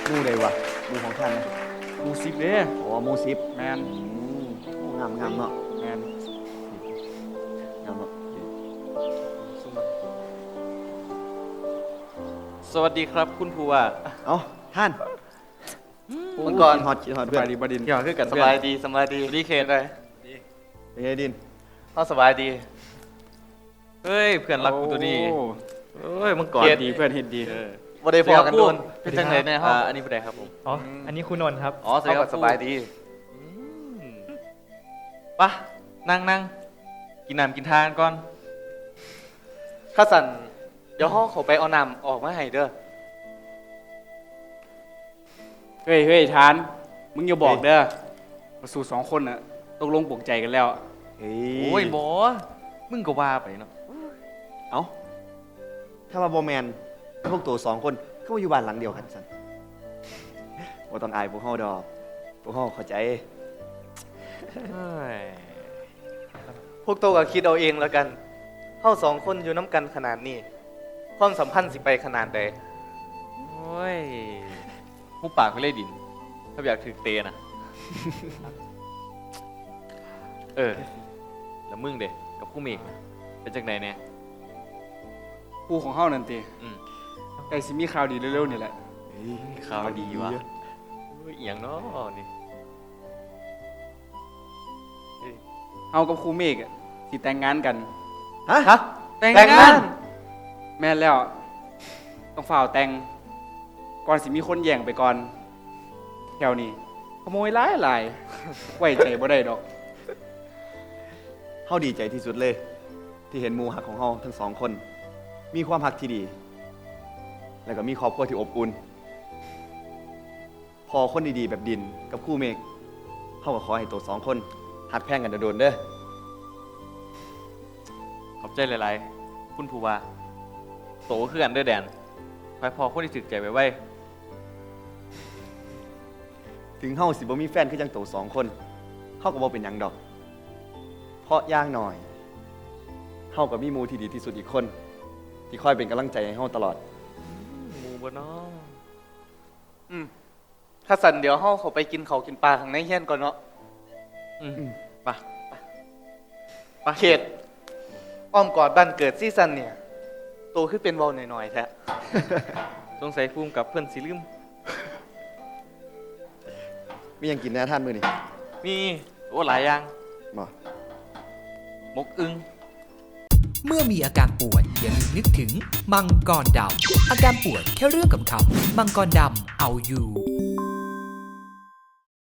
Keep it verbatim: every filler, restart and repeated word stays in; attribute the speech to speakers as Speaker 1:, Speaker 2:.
Speaker 1: หมู่ใดวะหมู่ของท่านนะ
Speaker 2: หมูสิบเด้
Speaker 1: อ๋อหมู่สิบ
Speaker 2: แมน
Speaker 1: อืมโอ้งามงามเนาะ
Speaker 2: แมน
Speaker 1: งามเนาะ
Speaker 2: สวัสดีครับคุณผู้ว่า
Speaker 1: เอ้าท่าน
Speaker 3: เมื่อก่อน
Speaker 1: กิฮอตกินฮอต
Speaker 2: ส
Speaker 1: เพื่อน
Speaker 2: บายดีบดิน
Speaker 3: เกี่ยวคือกันสบายดีสบายดีรีเคทเลย
Speaker 1: เป็นไงดิน
Speaker 3: เขาสบายดี
Speaker 2: เฮ้ยเพื่อนรักกูตัวนี้
Speaker 1: โอ้
Speaker 2: เฮ้ยเมื่อก่อน
Speaker 3: เกลียด
Speaker 2: ดีเพื่อนเห็นดี
Speaker 3: บ่ได้พอกันโดนเป็นจังไหนในห้อง
Speaker 2: อ่าอันนี้เป็นไรครับผม
Speaker 4: อ๋อ อันนี้คุณนนท์ครับ
Speaker 2: อ๋อ
Speaker 3: เขาก็สบายดี
Speaker 2: ปะนั่งนั่งกินน้ำกินทานก่อน
Speaker 3: ข้าสั่นเดี๋ยวห้องเขาไปเอาน้ำออกมาให้เด้อ
Speaker 5: เฮ้ยเฮ้ยทาน มึงอย่าบอกเด้อมาสู่สองคนน่ะตกลงปลงใจกันแล้ว
Speaker 1: เฮ้
Speaker 2: โอ้ยหมอมึงก็ว่าไปเนาะ
Speaker 1: เอ้าถ้าว่าบ่แมนพวกตัวสองคนก็มาอยู่บ้านหลังเดียวกันสันบ่ต้องอายพวกเฮาดอกพวกเฮาเข้าใจ
Speaker 2: เฮ้ย
Speaker 3: พวกโตก็คิดเอาเองแล้วกันเข้าสองคนอยู่น้ำกันขนาดนี้ความสัมพันธ์สิไปขนาดใด
Speaker 2: โอ้ยผู้ปากไม่เล่ดิน ถ้าอยากถึกเตะนะ เออ แล้วมึงเด็กกับผู้เมกนะเป็นจากไหนเนี่ย
Speaker 5: คู่ของเฮานั่นติ
Speaker 2: อืม
Speaker 5: ไอ้สิมีข่าวดีเร็วๆนี่แหละ
Speaker 2: ข่าวดีวะเฮ้ยเอียงเนาะนี่
Speaker 5: เฮากับครูเมฆอะสิแต่งงานกัน
Speaker 1: ฮะ
Speaker 3: ฮะ
Speaker 2: แต่ง
Speaker 3: แต่ง
Speaker 2: งาง
Speaker 3: าน น
Speaker 5: แม่นแล้ว ต้องฝ่าวแต่ง ก่อนสิมีคนแย่งไปก่อน แถวนี้ขโมยหลายหลายไว้ใจบ่ได้ดอก
Speaker 1: เฮาดีใจที่สุดเลย ที่เห็นหมู่หักของเฮาทั้งสองคน มีความหักที่ดี แล้วก็มีครอบครัวที่อบอุ่น พอคนดีๆแบบดินกับคู่เมฆเฮาก็ขอให้ตัวสองคนหักแพงกันโดนๆเด้อ
Speaker 2: ขอบใจหลายๆ คุณผู้ว่า โตขึ้นกันเด้อแดนคอยพอคนที่ถึกใจไว้ไว้
Speaker 1: ถึงเฮาสิบ่มีแฟนคือจังตัวสองคนเฮาก็บ่เป็นหยังดอก เพราะอย่างหน่อยเฮาก็มีหมู่ที่ดีที่สุดอีกคน ที่คอยเป็นกำลังใจให้เฮาตลอด
Speaker 2: หมูบ่เนาะ
Speaker 3: อืมข้าสั่นเดี๋ยวห้องเขาไปกินเขาวกินปลาข้างในเฮียนก่อนเนาะ
Speaker 2: อืม
Speaker 1: อืม
Speaker 2: ไปไป
Speaker 3: เขตอ้อมกอดบ้านเกิดซีซันเนี่ยโตขึ้นเป็นเบาหน่อยๆแท้
Speaker 2: สงสัยภูมิกับเพื่อนสิลืม
Speaker 1: มีหยังกินแหน่ท่านมื้อนี้
Speaker 2: มีโอ้หลายอย่าง
Speaker 1: บ่
Speaker 2: มกอึง
Speaker 6: เมื่อมีอาการปวดอย่าลืมนึกถึงมังกรดำอาการปวดแค่เรื่องขำๆมังกรดำเอาอยู่